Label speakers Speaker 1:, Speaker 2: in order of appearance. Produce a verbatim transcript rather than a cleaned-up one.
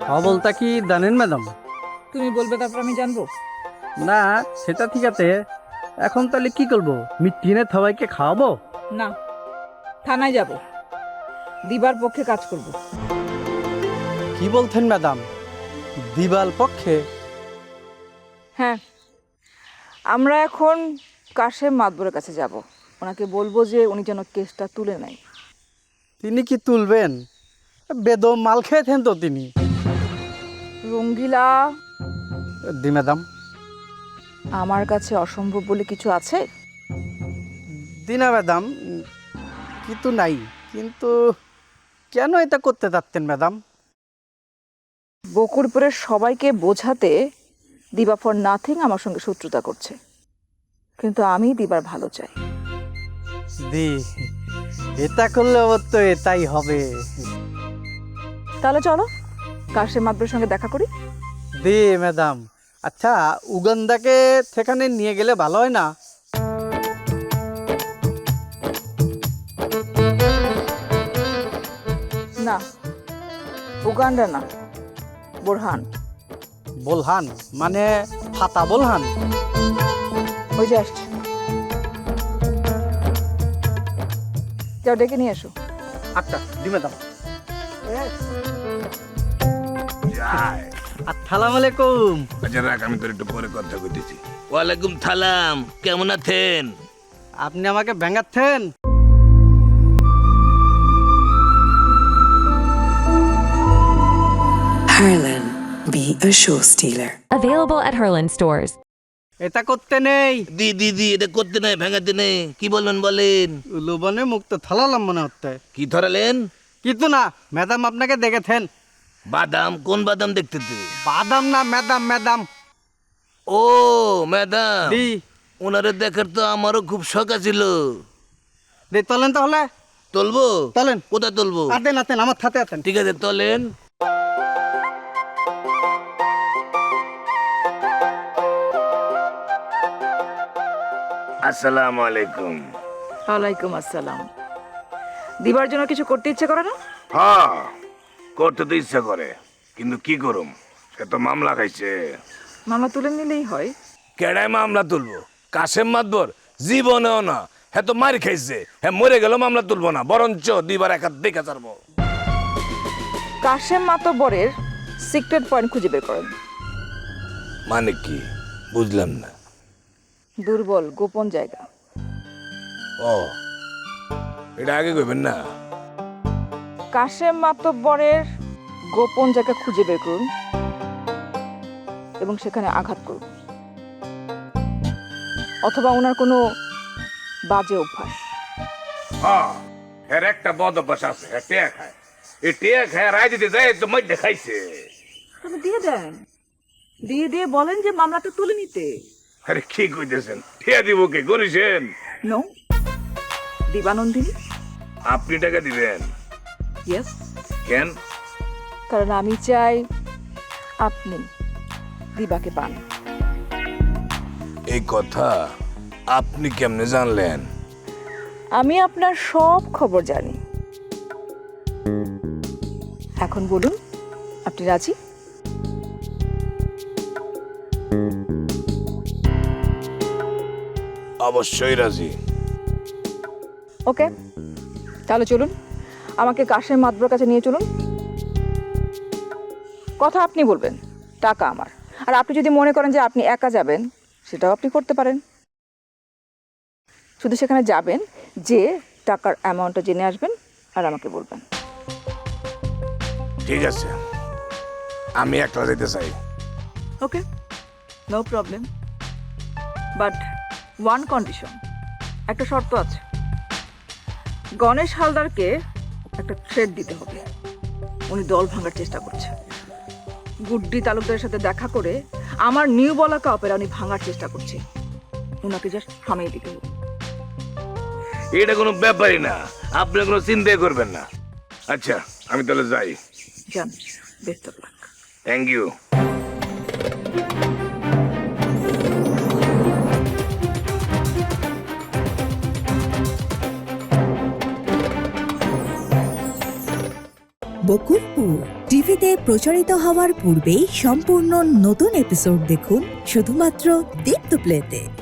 Speaker 1: খবরটা কি জানেন ম্যাডাম?
Speaker 2: তুমি বলবে তারপর আমি জানবো?
Speaker 1: না, সেটা ঠিক আছে। এখন তাহলে কি করবো? মিটিনে সবাইকে খাওয়াবো?
Speaker 2: না, থানায় যাব, দিবার পক্ষে কাজ করব।
Speaker 1: কি বলছেন ম্যাডাম? দিবাল পক্ষে?
Speaker 2: হ্যাঁ, আমরা এখন কাশেম মাতবরের কাছে যাব। ওনাকে বলবো যে উনি যেন কেসটা তুলে নেয়।
Speaker 1: তিনি কি তুলবেন? বেদম মাল খেয়েছেন তো তিনি।
Speaker 2: রঙ্গিলা,
Speaker 1: দি ম্যাডাম।
Speaker 2: আমার কাছে অসম্ভব বলে কিছু আছে?
Speaker 1: দিনা ম্যাডাম, কিন্তু নাই। কিন্তু কেন এটা করতে চাচ্ছেন ম্যাডাম?
Speaker 2: বকুড়পুরের সবাইকে বোঝাতে দিবা ফর নাথিং আমার সঙ্গে শত্রুতা করছে, কিন্তু আমি দিবার ভালো চাই।
Speaker 1: দি, এটা করলে অবশ্য এটাই হবে।
Speaker 2: তাহলে চলো কাশেম মাতবরের সঙ্গে দেখা করি।
Speaker 1: দি ম্যাডাম, আচ্ছা উগান্ডাকে সেখানে নিয়ে গেলে ভালো হয় না?
Speaker 2: না, উগান্ডা না, বোরহান।
Speaker 1: বলহান মানে ফাতা বলহান?
Speaker 2: ওই যে আসছে, যাও ডেকে নিয়ে এসো।
Speaker 1: আচ্ছা দি ম্যাডাম।
Speaker 3: যাই।
Speaker 1: আসসালামু আলাইকুম।
Speaker 3: আচ্ছা রাখ, আমি তোর একটু পরে কথা কইতেছি। ওয়ালাইকুম সালাম, কেমন আছেন?
Speaker 1: আপনি আমাকে ব্যাঙ্গাচ্ছেন?
Speaker 4: Harlan, be a show stealer.
Speaker 5: Available at Herland stores.
Speaker 1: এটা করতে নেই।
Speaker 3: দি দি দি এটা করতে নাই, ভাঙাতে নেই। কি বলবেন বলেন?
Speaker 1: লুবনে মুক্ত থালালাম মনে হচ্ছে।
Speaker 3: কি ধরালেন?
Speaker 1: কিন্তু না, ম্যাডাম আপনাকে দেখেছেন।
Speaker 3: বাদাম? কোন বাদাম দেখতেতে?
Speaker 1: বাদাম না ম্যাডাম, ম্যাডাম।
Speaker 3: ও ম্যাডাম,
Speaker 1: দি
Speaker 3: ওনারে দেখার তো আমারও খুব শখ ছিল।
Speaker 1: দি চলেন তাহলে।
Speaker 3: তুলবো?
Speaker 1: চলেন।
Speaker 3: কোথায় তুলবো?
Speaker 1: আতেন আতেন আমার সাথে আছেন।
Speaker 3: ঠিক আছে তোলেন। আসসালামু আলাইকুম।
Speaker 2: ওয়ালাইকুম আসসালাম। দিবার জন্য কিছু করতে ইচ্ছে করে না?
Speaker 3: হ্যাঁ, করতে তো ইচ্ছা করে, কিন্তু কি করুম, সে তো মামলা খাইছে।
Speaker 2: মামলা তুলে নিলেই হয়।
Speaker 3: কেডায় মামলা তুলবো? কাশেম মাতবর? জীবনেও না। হ্যাঁ তো মারি খাইছে, হ্যাঁ মরে গেল মামলা তুলবো না, বরঞ্চ দিবার একা দেখে ছাড়বো।
Speaker 2: কাশেম মাতবরের সিক্রেট পয়েন্ট খুঁজে বের করেন।
Speaker 3: মানে কি বুঝলাম না।
Speaker 2: দুর্বল গোপন জায়গা।
Speaker 3: ও, এটা আগে কইবেন না।
Speaker 2: কাশেম মাতবরের গোপন জায়গা খুঁজে বের করুন এবং সেখানে আঘাত করুন, অথবা ওনার কোনো বাজে অভ্যাস।
Speaker 3: হ্যাঁ, এর একটা বদ অভ্যাস আছে, হ্যাঁ টেয়া খায়। এই টেয়া খায় রায় দিতে যায় তো মধ্যে খাইছে।
Speaker 2: তবে দিয়ে দেন, দিয়ে দিয়ে বলেন যে মামলাটা তুলে নিতে।
Speaker 3: আরে কি কইতেছেন? টেয়া দিব কে? করেছেন?
Speaker 2: নো, দিবানন্দিনী।
Speaker 3: আপনি টাকা দিবেন?
Speaker 2: ইয়েস,
Speaker 3: কেন?
Speaker 2: কারণ আমি চাই আপনি দিবাকে পান।
Speaker 3: এই কথা আপনি কেমনে জানলেন?
Speaker 2: আমি আপনার সব খবর জানি। এখন বলুন, আপনি রাজি?
Speaker 3: অবশ্যই রাজি।
Speaker 2: ওকে, তাহলে চলুন, আমাকে কাশেম মাতবরের কাছে নিয়ে চলুন। কথা আপনি বলবেন, টাকা আমার। আর আপনি যদি মনে করেন যে আপনি একা যাবেন, সেটাও আপনি করতে পারেন। শুধু সেখানে যাবেন, যে টাকার অ্যামাউন্টটা জেনে আসবেন আর আমাকে বলবেন।
Speaker 3: ঠিক আছে, আমি একলা যেতে চাই।
Speaker 2: Okay, no problem, but one condition, একটা শর্ত আছে। গণেশ হালদারকে একটা থ্রেড দিতে হবে। উনি দল ভাঙার চেষ্টা করছে। গুড্ডি তালুকদারের সাথে দেখা করে আমার নিউ বলাকা অপেরা উনি ভাঙার চেষ্টা করছে। ওনাকে জাস্ট থামিয়ে দিতে হবে।
Speaker 3: এটা কোনো ব্যাপারই না, আপনি কোনো চিন্তাই করবেন না। আচ্ছা আমি তাহলে যাই।
Speaker 2: যান, best of luck.
Speaker 3: Thank you.
Speaker 6: Bakulpur টিভিতে প্রচারিত হওয়ার পূর্বেই সম্পূর্ণ নতুন এপিসোড দেখুন শুধুমাত্র দীপ্ত প্লেতে।